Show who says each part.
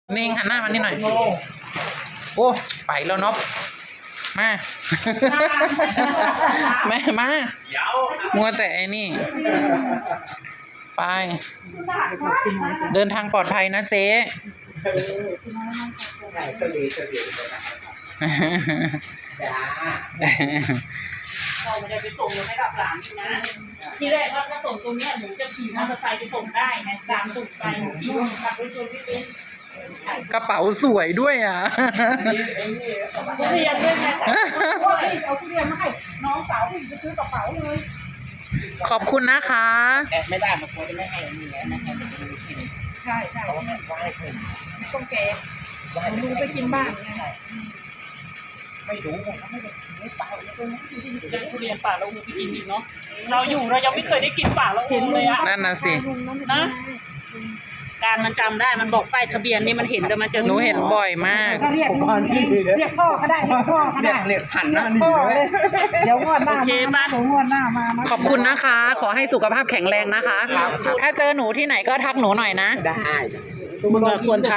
Speaker 1: นิ่งหันหน้ามานี่หน่อยโอ้ไปแล้วนบมาแม่มามัวแต่ไอ้นี่ไปเดินทางปลอดภัยนะเจ๊
Speaker 2: เราไม่ได้ไปส่งยังไม่กลับหลานอีกนะทีแรกว่าถ้าส่งตรงเนี้ยหนูจะขี่มอเตอร์ไซค์ไปส่งได้ไงหลานส่งไปหนูขี่รถกลับไปชวนพี่ปิ๊ก
Speaker 1: กระเป๋าสวยด้วยอ่ะ
Speaker 2: ทุเรียนด้วยไงว่าเอาทุเรียนมาให้น้องสาวพี่จะซื้อกระเป๋าเลย
Speaker 1: ขอบคุณนะคะ
Speaker 3: แอบไม่ได้บางคนจะไม่ให้นี่ไงไม่ให้มันดูกิน
Speaker 2: ใช่ใช่
Speaker 3: เขาให้ไหว้คน
Speaker 2: ต้องแกลุงไปกินบ้างไง
Speaker 3: ไม่รู้ไงเขาไม่ได้ไม่เปล่าเลยนะ
Speaker 2: ยังทุเรียนป่าเราไปกินอีกเนาะเราอยู่เรายังไม่เคยได้กินป่าเราเห็นเลยอะ
Speaker 1: นั่นน่ะสิ
Speaker 2: นะการมันจำได้มันบอกป้ายทะเบียนนี่มันเห็นแต่มันจะ
Speaker 1: หนูเห็นบ่อยมาก
Speaker 4: ก็เรียกพ่อก็ได้เรียกพ่อก็ได้
Speaker 3: เรียกหันหน้านี่
Speaker 4: พ่อ
Speaker 3: เล
Speaker 4: เลย ยเดี๋ยวงวดหน้ามาเดี๋ยวงวดหน้ามา
Speaker 1: ขอบคุณนะคะ ขอให้สุขภาพแข็งแรงนะคะ ถ้าเจอหนูที่ไหนก็ทักหนูหน่อยนะ
Speaker 3: ได้
Speaker 2: มึงควรท